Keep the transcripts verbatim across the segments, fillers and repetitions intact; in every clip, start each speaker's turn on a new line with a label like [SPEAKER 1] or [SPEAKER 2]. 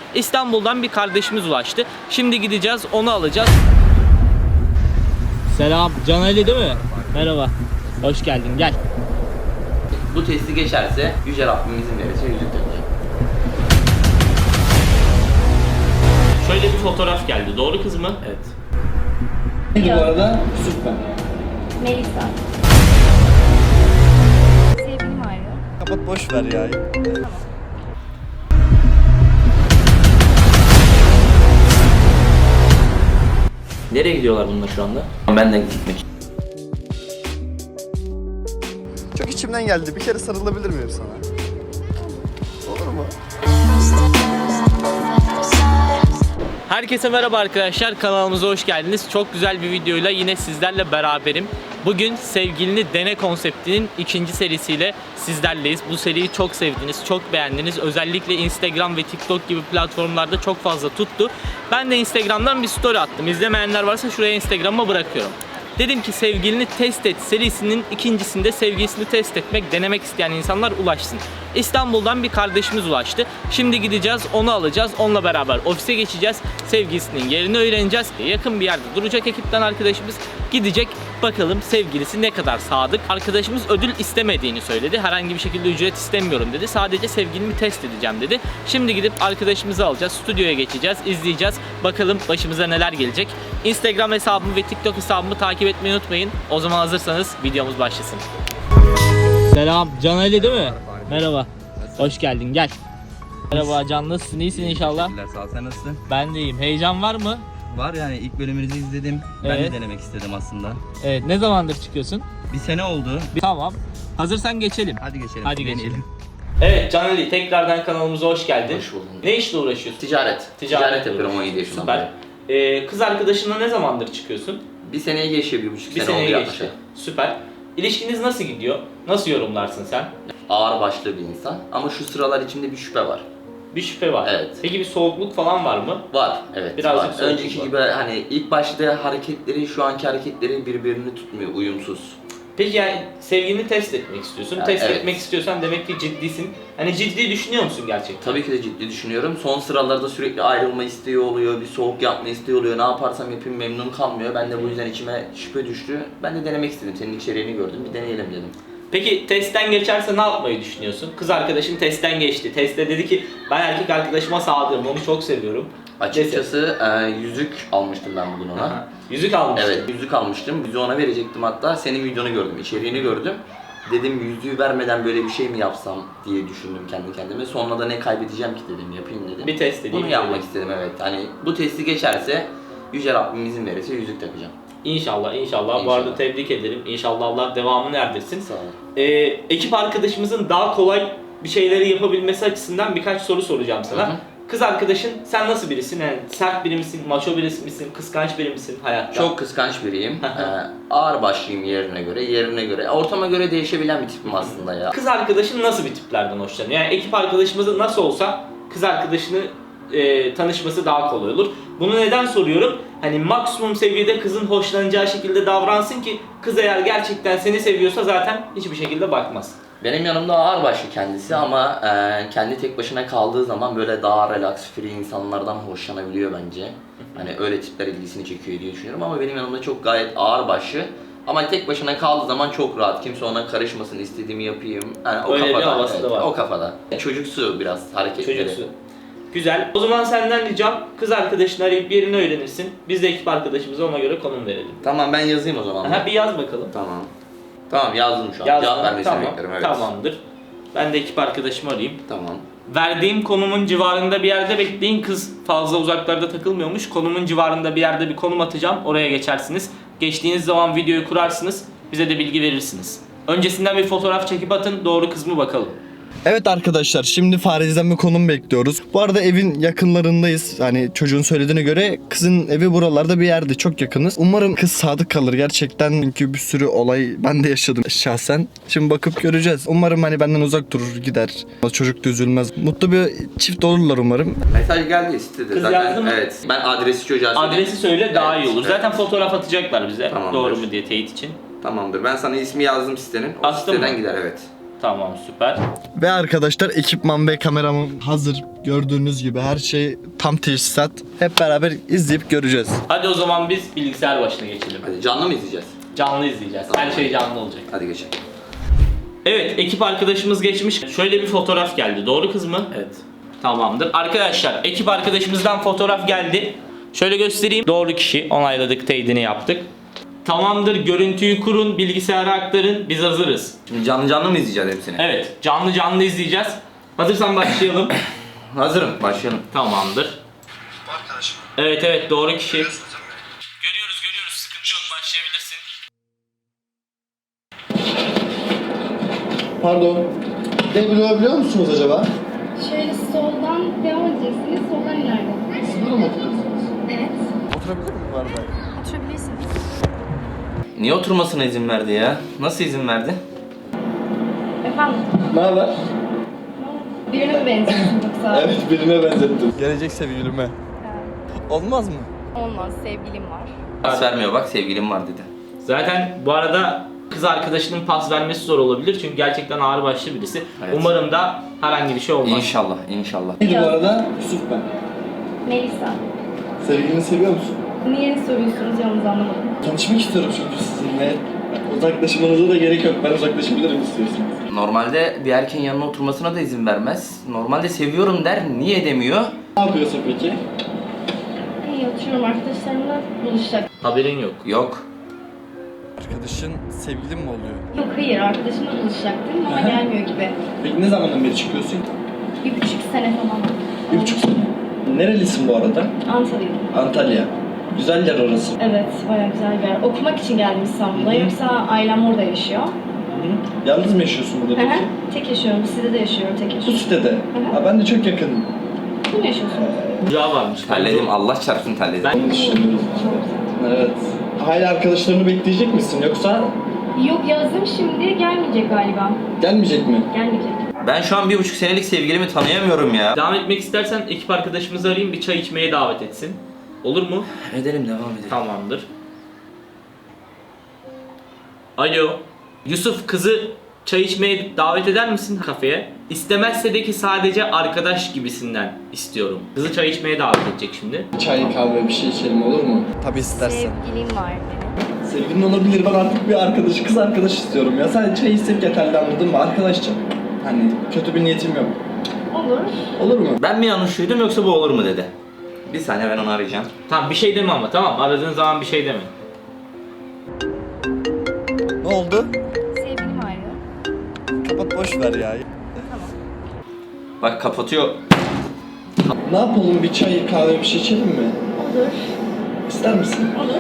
[SPEAKER 1] İstanbul'dan bir kardeşimiz ulaştı. Şimdi gideceğiz, onu alacağız. Selam, Can Ali değil mi? Merhaba, hoş geldin, gel.
[SPEAKER 2] Bu testi geçerse Yüce Rabbim izin verirse yüzük takacağım.
[SPEAKER 1] Şöyle bir fotoğraf geldi, doğru kız mı?
[SPEAKER 2] Evet.
[SPEAKER 3] Bu arada süper.
[SPEAKER 4] Melisa. Sevgilim arıyor.
[SPEAKER 3] Kapat boş ver ya.
[SPEAKER 4] Tamam.
[SPEAKER 1] Nereye gidiyorlar bunlar şu anda?
[SPEAKER 2] Ben de gitmek.
[SPEAKER 3] Çok içimden geldi. Bir kere sarılabilir miyim sana? Olur mu?
[SPEAKER 1] Herkese merhaba arkadaşlar, kanalımıza hoş geldiniz. Çok güzel bir videoyla yine sizlerle beraberim. Bugün sevgilini dene konseptinin ikinci serisiyle sizlerleyiz. Bu seriyi çok sevdiniz, çok beğendiniz. Özellikle Instagram ve TikTok gibi platformlarda çok fazla tuttu. Ben de Instagram'dan bir story attım. İzlemeyenler varsa şuraya Instagram'a bırakıyorum. Dedim ki sevgilini test et serisinin ikincisinde sevgilisini test etmek, denemek isteyen insanlar ulaşsın. İstanbul'dan bir kardeşimiz ulaştı. Şimdi gideceğiz, onu alacağız. Onunla beraber ofise geçeceğiz. Sevgilisinin yerini öğreneceğiz. Yakın bir yerde duracak ekipten arkadaşımız gidecek. Bakalım sevgilisi ne kadar sadık. Arkadaşımız ödül istemediğini söyledi. Herhangi bir şekilde ücret istemiyorum dedi. Sadece sevgilimi test edeceğim dedi. Şimdi gidip arkadaşımızı alacağız. Stüdyoya geçeceğiz, izleyeceğiz. Bakalım başımıza neler gelecek. Instagram hesabımı ve TikTok hesabımı takip etmeyi unutmayın. O zaman hazırsanız videomuz başlasın. Selam, Can Ali değil mi? Merhaba. Hoş geldin, gel. Merhaba Can, nasılsın? İyisin inşallah.
[SPEAKER 5] Teşekkürler, sağ ol. Sen nasılsın?
[SPEAKER 1] Ben de iyiyim. Heyecan var mı?
[SPEAKER 5] Var yani, ilk bölümünüzü izledim. Ben
[SPEAKER 1] Evet.
[SPEAKER 5] de denemek istedim aslında.
[SPEAKER 1] Evet, ne zamandır çıkıyorsun?
[SPEAKER 5] Bir sene oldu.
[SPEAKER 1] Bir- Tamam. Hazırsan geçelim.
[SPEAKER 5] Hadi geçelim.
[SPEAKER 1] Hadi
[SPEAKER 5] deneyelim.
[SPEAKER 1] geçelim. Evet Can Ali, tekrardan kanalımıza hoş geldin.
[SPEAKER 2] Hoş buldum.
[SPEAKER 1] Ne işle uğraşıyorsun?
[SPEAKER 2] Ticaret.
[SPEAKER 1] Ticaret
[SPEAKER 2] Ticaret, yapıyorum on yedi yaşından
[SPEAKER 1] Süper.
[SPEAKER 2] beri.
[SPEAKER 1] Ee, kız arkadaşınla ne zamandır çıkıyorsun?
[SPEAKER 2] Bir seneye geçiyor, bir buçuk
[SPEAKER 1] Bir
[SPEAKER 2] sene oldu
[SPEAKER 1] seneye
[SPEAKER 2] yaklaşık.
[SPEAKER 1] geçti. Süper. İlişkiniz nasıl gidiyor? Nasıl yorumlarsın sen?
[SPEAKER 2] Ağır başlı bir insan ama şu sıralar içimde bir şüphe var.
[SPEAKER 1] Bir şüphe var.
[SPEAKER 2] Evet.
[SPEAKER 1] Peki bir soğukluk falan var mı?
[SPEAKER 2] Var, evet.
[SPEAKER 1] Birazcık
[SPEAKER 2] var.
[SPEAKER 1] soğukluk
[SPEAKER 2] Önceki
[SPEAKER 1] var.
[SPEAKER 2] gibi hani ilk başta hareketleri, şu anki hareketleri birbirini tutmuyor, uyumsuz.
[SPEAKER 1] Peki yani sevgilini test etmek istiyorsun.
[SPEAKER 2] Ya,
[SPEAKER 1] test
[SPEAKER 2] evet.
[SPEAKER 1] etmek istiyorsan demek ki ciddisin. Hani ciddi düşünüyor musun gerçekten?
[SPEAKER 2] Tabii ki de ciddi düşünüyorum. Son sıralarda sürekli ayrılma isteği oluyor, bir soğuk yapma isteği oluyor. Ne yaparsam yapayım memnun kalmıyor. Ben de bu yüzden içime şüphe düştü. Ben de denemek istedim. Senin içeriğini gördüm, bir deneyelim dedim.
[SPEAKER 1] Peki testten geçerse ne yapmayı düşünüyorsun? Kız arkadaşın testten geçti. Testte dedi ki ben erkek arkadaşıma sadığım, onu çok seviyorum.
[SPEAKER 2] Açıkçası e, yüzük almıştım ben bugün ona.
[SPEAKER 1] Aha. Yüzük almıştın.
[SPEAKER 2] Evet, yüzük almıştım. Yüzüğü ona verecektim hatta. Senin videonu gördüm, içeriğini gördüm. Dedim yüzüğü vermeden böyle bir şey mi yapsam diye düşündüm kendi kendime. Sonra da ne kaybedeceğim ki dedim, yapayım dedim.
[SPEAKER 1] Bir test edeyim.
[SPEAKER 2] Bunu yapmak istedim, evet. Hani bu testi geçerse Yüce Rabbim izin verirse yüzük takacağım.
[SPEAKER 1] İnşallah, inşallah. Bu
[SPEAKER 2] İnşallah.
[SPEAKER 1] arada tebrik ederim. İnşallah Allah devamını erdirsin.
[SPEAKER 2] Sağ ol.
[SPEAKER 1] Ee, ekip arkadaşımızın daha kolay bir şeyleri yapabilmesi açısından birkaç soru soracağım sana.
[SPEAKER 2] Hı hı.
[SPEAKER 1] Kız arkadaşın sen nasıl birisin? Yani sert biri misin, maço birisi misin, kıskanç biri misin hayatta?
[SPEAKER 2] Çok kıskanç biriyim. ee, ağır başlıyım yerine göre, yerine göre. Ortama göre değişebilen bir tipim aslında ya.
[SPEAKER 1] Kız arkadaşın nasıl bir tiplerden hoşlanıyor? Yani ekip arkadaşımızın nasıl olsa kız arkadaşını e, tanışması daha kolay olur. Bunu neden soruyorum? Hani maksimum seviyede kızın hoşlanacağı şekilde davransın ki kız eğer gerçekten seni seviyorsa zaten hiçbir şekilde bakmaz.
[SPEAKER 2] Benim yanımda ağır başlı kendisi ama e, kendi tek başına kaldığı zaman böyle daha relax, free insanlardan hoşlanabiliyor bence. Hani öyle tipler ilgisini çekiyor diye düşünüyorum ama benim yanımda çok gayet ağır başlı. Ama tek başına kaldığı zaman çok rahat. Kimse ona karışmasın, istediğimi yapayım. Yani o
[SPEAKER 1] Öyle bir
[SPEAKER 2] kafada.
[SPEAKER 1] havası da var.
[SPEAKER 2] O kafada. Çocuksu biraz hareketleri.
[SPEAKER 1] Çocuksu. Güzel. O zaman senden ricam kız arkadaşını arayıp yerini öğrenirsin. Biz de ekip arkadaşımıza ona göre konum verelim.
[SPEAKER 2] Tamam, ben yazayım o zaman.
[SPEAKER 1] Aha, bir yaz bakalım.
[SPEAKER 2] Tamam. Tamam, yazdım şu an.
[SPEAKER 1] Yazdın.
[SPEAKER 2] Cevap vermesini
[SPEAKER 1] Tamam.
[SPEAKER 2] bekliyorum, evet.
[SPEAKER 1] Tamamdır. Ben de ekip arkadaşımı arayayım.
[SPEAKER 2] Tamam.
[SPEAKER 1] Verdiğim konumun civarında bir yerde bekleyin. Kız fazla uzaklarda takılmıyormuş. Konumun civarında bir yerde bir konum atacağım. Oraya geçersiniz. Geçtiğiniz zaman videoyu kurarsınız. Bize de bilgi verirsiniz. Öncesinden bir fotoğraf çekip atın. Doğru kız mı bakalım.
[SPEAKER 3] Evet arkadaşlar, şimdi Fariz'den bir konum bekliyoruz. Bu arada evin yakınlarındayız. Hani çocuğun söylediğine göre kızın evi buralarda bir yerde, çok yakınız. Umarım kız sadık kalır gerçekten, çünkü bir sürü olay ben de yaşadım şahsen. Şimdi bakıp göreceğiz. Umarım hani benden uzak durur, gider. Çocuk da üzülmez. Mutlu bir çift olurlar umarım.
[SPEAKER 2] Mesaj geldi, istedi.
[SPEAKER 1] Kız
[SPEAKER 2] Zaten,
[SPEAKER 1] yazdı mı?
[SPEAKER 2] Evet. Ben adresi çocuğa söyleyeyim.
[SPEAKER 1] Adresi söyle daha
[SPEAKER 2] Evet,
[SPEAKER 1] iyi olur.
[SPEAKER 2] evet.
[SPEAKER 1] Zaten fotoğraf atacaklar bize.
[SPEAKER 2] Tamamdır.
[SPEAKER 1] Doğru mu diye teyit için.
[SPEAKER 2] Tamamdır. Ben sana ismi yazdım sitenin. O
[SPEAKER 1] Astın
[SPEAKER 2] siteden
[SPEAKER 1] mı?
[SPEAKER 2] gider, evet.
[SPEAKER 1] Tamam, süper.
[SPEAKER 3] Ve arkadaşlar ekipman ve kameramın hazır. Gördüğünüz gibi her şey tam teçhizat. Hep beraber izleyip göreceğiz.
[SPEAKER 1] Hadi o zaman biz bilgisayar başına geçelim.
[SPEAKER 2] Hadi canlı mı izleyeceğiz?
[SPEAKER 1] Canlı izleyeceğiz. Her şey canlı olacak.
[SPEAKER 2] Hadi geçelim.
[SPEAKER 1] Evet, ekip arkadaşımız geçmiş. Şöyle bir fotoğraf geldi. Doğru kız mı?
[SPEAKER 2] Evet.
[SPEAKER 1] Tamamdır. Arkadaşlar, ekip arkadaşımızdan fotoğraf geldi. Şöyle göstereyim. Doğru kişi. Onayladık, teyidini yaptık. Tamamdır. Görüntüyü kurun, bilgisayara aktarın. Biz hazırız.
[SPEAKER 2] Şimdi canlı canlı mı izleyeceğiz hepsini?
[SPEAKER 1] Evet, canlı canlı izleyeceğiz. Hazırsan başlayalım.
[SPEAKER 2] Hazırım. Başlayalım.
[SPEAKER 1] Tamamdır. Evet evet, doğru kişi. Görüyoruz görüyoruz, sıkıntı yok, başlayabilirsin.
[SPEAKER 3] Pardon. Ne biliyor musunuz acaba?
[SPEAKER 4] Şöyle soldan devam edeceksiniz. Soldan ileride.
[SPEAKER 3] Siz burada mı oturuyorsunuz?
[SPEAKER 4] Evet.
[SPEAKER 3] Oturabilir miyim bu arada?
[SPEAKER 4] Oturabilirsiniz.
[SPEAKER 2] Niye oturmasına izin verdi ya? Nasıl izin verdi?
[SPEAKER 4] Efendim?
[SPEAKER 3] Ne haber?
[SPEAKER 4] Birine mi benziyorsun yoksa?
[SPEAKER 3] Evet, birine benzettim. Gelecek sevgilime. Olmaz mı?
[SPEAKER 4] Olmaz. Sevgilim var.
[SPEAKER 2] Pas vermiyor bak, sevgilim var dedi.
[SPEAKER 1] Zaten bu arada kız arkadaşının pas vermesi zor olabilir çünkü gerçekten ağırbaşlı birisi.
[SPEAKER 2] Evet.
[SPEAKER 1] Umarım da herhangi bir şey olmaz.
[SPEAKER 2] İnşallah, inşallah.
[SPEAKER 3] Neydi bu arada? Yusuf ben.
[SPEAKER 4] Melisa.
[SPEAKER 3] Sevgilini seviyor musun?
[SPEAKER 4] Niye soruyorsunuz yalnız anlamadım.
[SPEAKER 3] Tanışmak istiyorum çünkü sizinle. Uzaklaşmanıza da gerek yok. Ben uzaklaşabilirim istiyorsanız.
[SPEAKER 2] Normalde bir erkeğin yanına oturmasına da izin vermez. Normalde seviyorum der, niye demiyor?
[SPEAKER 3] Ne yapıyorsun peki?
[SPEAKER 4] İyi oturuyorum. Arkadaşlarımla buluşacak.
[SPEAKER 1] Haberin yok.
[SPEAKER 2] Yok.
[SPEAKER 3] Arkadaşın sevgilin mi oluyor?
[SPEAKER 4] Yok hayır. Arkadaşımla buluşacaktım ama gelmiyor gibi.
[SPEAKER 3] Peki ne zamandan beri çıkıyorsun?
[SPEAKER 4] Bir buçuk sene falan.
[SPEAKER 3] Bir buçuk sene. Nerelisin bu arada?
[SPEAKER 4] Antalya'da.
[SPEAKER 3] Antalya. Güzel yer orası.
[SPEAKER 4] Evet. Bayağı güzel bir yer. Okumak için geldim İstanbul'a. Yoksa ailem orada yaşıyor.
[SPEAKER 3] Yalnız mı yaşıyorsun burada
[SPEAKER 4] Hı hı.
[SPEAKER 3] peki?
[SPEAKER 4] Tek yaşıyorum. Sitede yaşıyorum. Tek
[SPEAKER 3] Bu
[SPEAKER 4] yaşıyorum.
[SPEAKER 3] sitede.
[SPEAKER 4] hı.
[SPEAKER 3] Ha, ben de çok yakınım.
[SPEAKER 4] Kim yaşıyorsunuz?
[SPEAKER 1] Güzel varmış.
[SPEAKER 2] Terledim, Allah çarpsın terledim.
[SPEAKER 1] Ben-
[SPEAKER 3] Onu düşünüyorum. Evet. Hala arkadaşlarını bekleyecek misin yoksa
[SPEAKER 4] Yok yazdım şimdi. Gelmeyecek galiba.
[SPEAKER 3] gelmeyecek mi?
[SPEAKER 4] Gelmeyecek.
[SPEAKER 2] Ben şu an bir buçuk senelik sevgilimi tanıyamıyorum ya.
[SPEAKER 1] Devam etmek istersen ekip arkadaşımızı arayayım, bir çay içmeye davet etsin. Olur mu?
[SPEAKER 2] Edelim, devam edelim.
[SPEAKER 1] Tamamdır. Alo. Yusuf, kızı çay içmeye davet eder misin kafeye? İstemezse de ki sadece arkadaş gibisinden istiyorum. Kızı çay içmeye davet edecek şimdi.
[SPEAKER 3] Çay, kahve bir şey içelim olur mu? Tabii istersen.
[SPEAKER 4] Sevgilim var benim.
[SPEAKER 3] Sevgilin olabilir. Ben artık bir arkadaş, kız arkadaş istiyorum ya. Sadece çay içsek yeterli, anladın mı? Arkadaşça. Hani kötü bir niyetim yok.
[SPEAKER 4] Olur.
[SPEAKER 3] Olur mu?
[SPEAKER 2] Ben mi yanlış duydum yoksa bu olur mu dedi. Bir saniye, ben onu arayacağım.
[SPEAKER 1] Tamam, bir şey deme ama, tamam, aradığın zaman bir şey deme.
[SPEAKER 3] Ne oldu?
[SPEAKER 4] Sevgilim arıyor.
[SPEAKER 3] Kapat, boş ver ya.
[SPEAKER 2] Bak kapatıyor.
[SPEAKER 3] Ne yapalım? Bir çay, kahve bir şey içelim mi?
[SPEAKER 4] Olur.
[SPEAKER 3] İster misin?
[SPEAKER 4] Olur.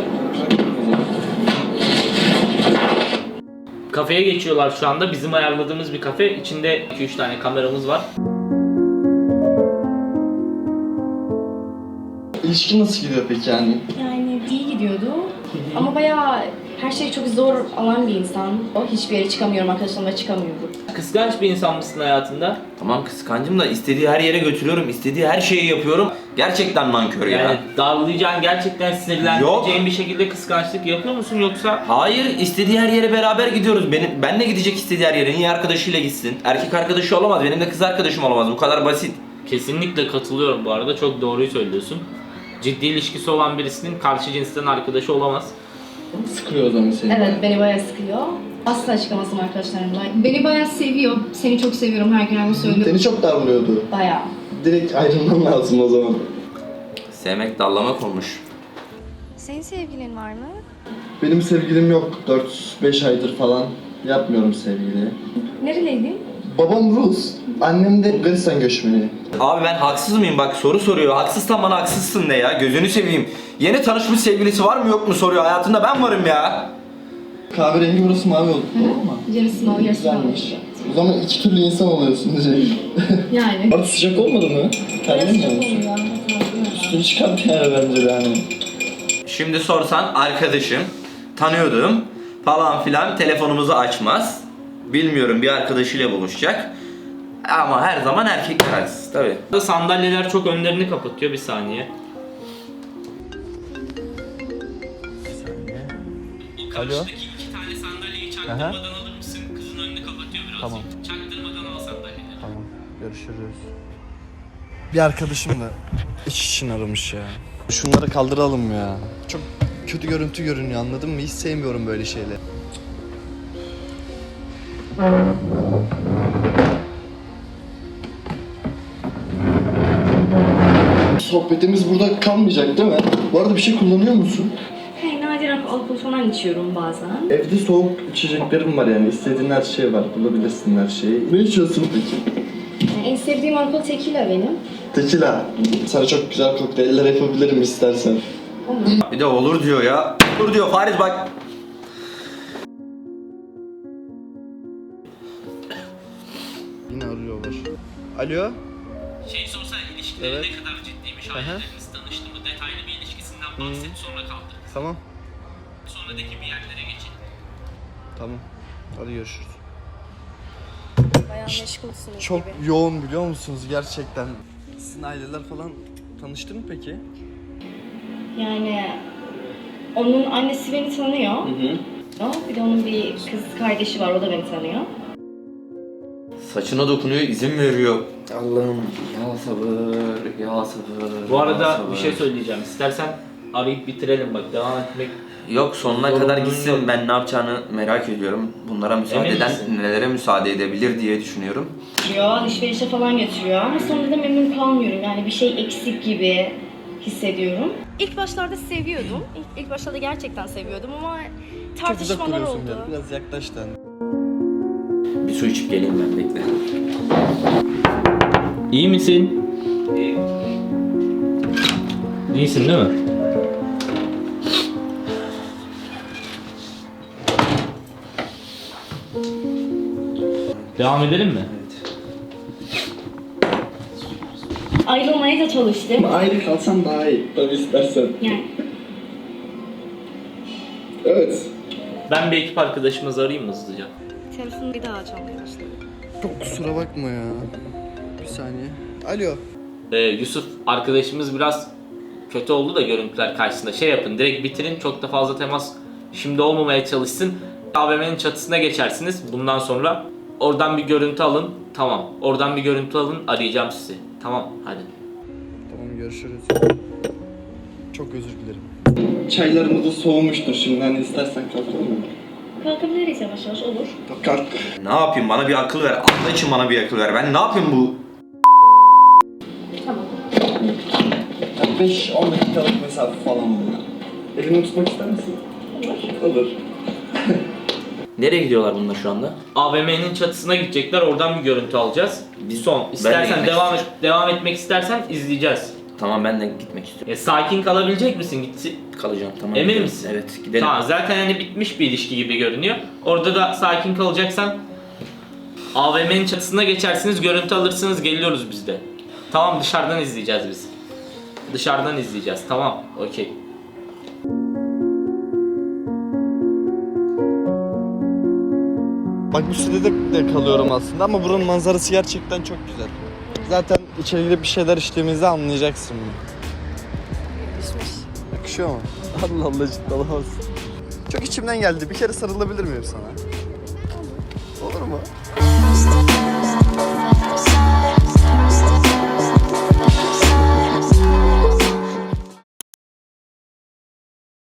[SPEAKER 1] Kafeye geçiyorlar şu anda. Bizim ayarladığımız bir kafe. İçinde iki üç tane kameramız var.
[SPEAKER 3] İlişki nasıl gidiyor peki yani?
[SPEAKER 4] Yani iyi gidiyordu. Ama bayağı her şey çok zor alan bir insan. O hiçbir yere çıkamıyorum, arkadaşlarımla çıkamıyorum.
[SPEAKER 1] Kıskanç bir insan mısın hayatında?
[SPEAKER 2] Tamam, kıskancım da istediği her yere götürüyorum, istediği her şeyi yapıyorum. Gerçekten nankör ya.
[SPEAKER 1] Yani darlayacağın, gerçekten sinirlendireceğin bir şekilde kıskançlık yapıyor musun yoksa?
[SPEAKER 2] Hayır, istediği her yere beraber gidiyoruz. Benim, benle gidecek istediği her yere. Niye arkadaşıyla gitsin? Erkek arkadaşı olamaz, benim de kız arkadaşım olamaz. Bu kadar basit.
[SPEAKER 1] Kesinlikle katılıyorum bu arada, çok doğruyu söylüyorsun. Ciddi ilişkisi olan birisinin karşı cinsten arkadaşı olamaz.
[SPEAKER 3] Sıkıyor o zaman seni.
[SPEAKER 4] Evet, beni bayağı sıkıyor. Asla çıkamazdım arkadaşlarımla. Beni bayağı seviyor. Seni çok seviyorum, her gün aynı söylüyorum.
[SPEAKER 3] Seni çok darlıyordu.
[SPEAKER 4] Bayağı.
[SPEAKER 3] Direkt ayrılman lazım o zaman.
[SPEAKER 2] Sevmek dallamak olmuş.
[SPEAKER 4] Senin sevgilin var mı?
[SPEAKER 3] Benim sevgilim yok. dört beş aydır falan yapmıyorum sevgili.
[SPEAKER 4] Nereliydin?
[SPEAKER 3] Babam Rus, annem de Bulgaristan göçmeni.
[SPEAKER 2] Abi ben haksız mıyım? Bak soru soruyor. Haksızsan bana haksızsın de ya. Gözünü seveyim. Yeni tanışmış sevgilisi var mı yok mu soruyor. Hayatında ben varım ya.
[SPEAKER 3] Kahverengi, burası mavi oldu tamam mı?
[SPEAKER 4] Yarısı mavi, yarısı
[SPEAKER 3] Güzelmiş. O zaman iki türlü insan oluyorsun diyecek.
[SPEAKER 4] Yani.
[SPEAKER 3] Artık sıcak olmadı mı? Terlemiyor musun? Üstünü çıkart yani bence de hani.
[SPEAKER 2] Şimdi sorsan arkadaşım, tanıyordum falan filan, telefonumuzu açmaz. Bilmiyorum, bir arkadaşıyla buluşacak. Ama her zaman erkekler haksız tabii.
[SPEAKER 1] Burada sandalyeler çok önlerini kapatıyor, bir saniye.
[SPEAKER 3] Alo.
[SPEAKER 1] Karşıdaki iki tane sandalyeyi çaktırmadan alır mısın? Kızın önünü kapatıyor biraz.
[SPEAKER 3] Tamam.
[SPEAKER 1] Çak
[SPEAKER 3] Görüşürüz. Bir arkadaşım da iş için aramış ya. Şunları kaldıralım ya. Çok kötü görüntü görünüyor, anladın mı? Hiç sevmiyorum böyle şeyleri. Sohbetimiz burada kalmayacak değil mi? Bu arada bir şey kullanıyor musun?
[SPEAKER 4] Hey, nadiren alkol falan içiyorum bazen.
[SPEAKER 3] Evde soğuk içeceklerim var yani. İstediğin her şey var. Bulabilirsin her şeyi. Ne içiyorsun peki?
[SPEAKER 4] Yani en sevdiğim alkol tequila benim.
[SPEAKER 3] Tequila. Sana çok güzel kokteyller yapabilirim istersen.
[SPEAKER 2] Bir de olur diyor ya. Olur diyor Faris bak.
[SPEAKER 3] Yine arıyorlar. Alo?
[SPEAKER 1] Şey sorsan ilişkileri
[SPEAKER 3] Evet.
[SPEAKER 1] ne kadar ciddiymiş, aileleriniz tanıştı mı, detaylı bir ilişkisinden bahset, sonra kaldırırız.
[SPEAKER 3] Tamam.
[SPEAKER 1] Sonradaki bir yerlere geçin.
[SPEAKER 3] Tamam. Hadi görüşürüz.
[SPEAKER 4] Bayağı meşgulsünüz
[SPEAKER 3] Çok
[SPEAKER 4] gibi.
[SPEAKER 3] yoğun biliyor musunuz gerçekten? Sizin aileler falan tanıştı mı peki?
[SPEAKER 4] Yani onun annesi beni tanıyor.
[SPEAKER 3] Hı hı.
[SPEAKER 4] Bir de onun bir kız kardeşi var, o da beni tanıyor.
[SPEAKER 2] Saçına dokunuyor, izin veriyor. Allah'ım ya sabır, ya sabır.
[SPEAKER 1] Bu
[SPEAKER 2] ya
[SPEAKER 1] arada
[SPEAKER 2] sabır.
[SPEAKER 1] bir şey söyleyeceğim. İstersen arayıp bitirelim, bak devam etmek.
[SPEAKER 2] Yok sonuna
[SPEAKER 1] Zorunluluğun
[SPEAKER 2] kadar gitsin,
[SPEAKER 1] yok.
[SPEAKER 2] ben ne yapacağını merak ediyorum. Bunlara müsaade
[SPEAKER 1] Emin
[SPEAKER 2] eden
[SPEAKER 1] misin?
[SPEAKER 2] nelere müsaade edebilir diye düşünüyorum.
[SPEAKER 4] Götürüyor, alışverişe falan götürüyor ama sonra da memnun kalmıyorum. Yani bir şey eksik gibi hissediyorum. İlk başlarda seviyordum. İlk, ilk başlarda gerçekten seviyordum ama
[SPEAKER 3] Çok uzak
[SPEAKER 4] tartışmalar
[SPEAKER 3] duruyorsun
[SPEAKER 4] oldu.
[SPEAKER 3] biraz. Biraz yaklaş da.
[SPEAKER 2] Bir su içip geleyim ben, bekle.
[SPEAKER 1] İyi misin? İyi. İyisin değil mi? Devam edelim mi?
[SPEAKER 4] Ayrılmaya da çalıştım.
[SPEAKER 3] Ayrı kalsan daha iyi. Tabii istersen.
[SPEAKER 4] Yani
[SPEAKER 3] Evet.
[SPEAKER 1] Ben bir ekip arkadaşımızı arayayım mı hızlıca?
[SPEAKER 4] telefonu bir daha çalmaya başladı.
[SPEAKER 3] Çok kusura bakma ya. Bir saniye. Alo.
[SPEAKER 1] Ee, Yusuf arkadaşımız biraz kötü oldu da görüntüler karşısında. Şey yapın, direkt bitirin, çok da fazla temas şimdi olmamaya çalışsın. A V M'nin çatısına geçersiniz bundan sonra. Oradan bir görüntü alın. Tamam. Oradan bir görüntü alın. Arayacağım sizi. Tamam. Hadi.
[SPEAKER 3] Tamam görüşürüz. Çok özür dilerim. Çaylarımız da soğumuştur şimdi. Hani istersen kalkalım mı?
[SPEAKER 4] Kalkabiliriz yavaş yavaş, olur.
[SPEAKER 3] Kalk.
[SPEAKER 2] Ne yapayım, bana bir akıl ver. Allah için bana bir akıl ver. Ben ne yapayım bu?
[SPEAKER 4] Tamam.
[SPEAKER 3] Yani beş on dakikalık mesafe falan oluyor. Elini tutmak ister misin? Olur. Olur.
[SPEAKER 2] Nereye gidiyorlar bunlar şu anda?
[SPEAKER 1] A V M'nin çatısına gidecekler. Oradan bir görüntü alacağız. Bir son. İstersen
[SPEAKER 2] gitmek
[SPEAKER 1] devam et,
[SPEAKER 2] istiyorum.
[SPEAKER 1] devam etmek istersen izleyeceğiz.
[SPEAKER 2] Tamam, ben de gitmek istiyorum.
[SPEAKER 1] Ya, sakin kalabilecek misin? Gitsin.
[SPEAKER 2] Kalacağım, tamam.
[SPEAKER 1] Emin
[SPEAKER 2] gidelim.
[SPEAKER 1] misin?
[SPEAKER 2] Evet, gidelim.
[SPEAKER 1] Tamam, zaten hani bitmiş bir ilişki gibi görünüyor. Orada da sakin kalacaksan A V M'nin çatısına geçersiniz, görüntü alırsınız, geliyoruz biz de. Tamam, dışarıdan izleyeceğiz biz. Dışarıdan izleyeceğiz. Tamam, okey.
[SPEAKER 3] Bak bu sitede de kalıyorum aslında ama buranın manzarası gerçekten çok güzel. Zaten içeri girip bir şeyler içtiğimizde anlayacaksın bunu.
[SPEAKER 4] Yakışmış.
[SPEAKER 3] Yakışıyor mu? Allah Allah, ciddi olamazsın. Çok içimden geldi. Bir kere sarılabilir miyim sana? Olur mu?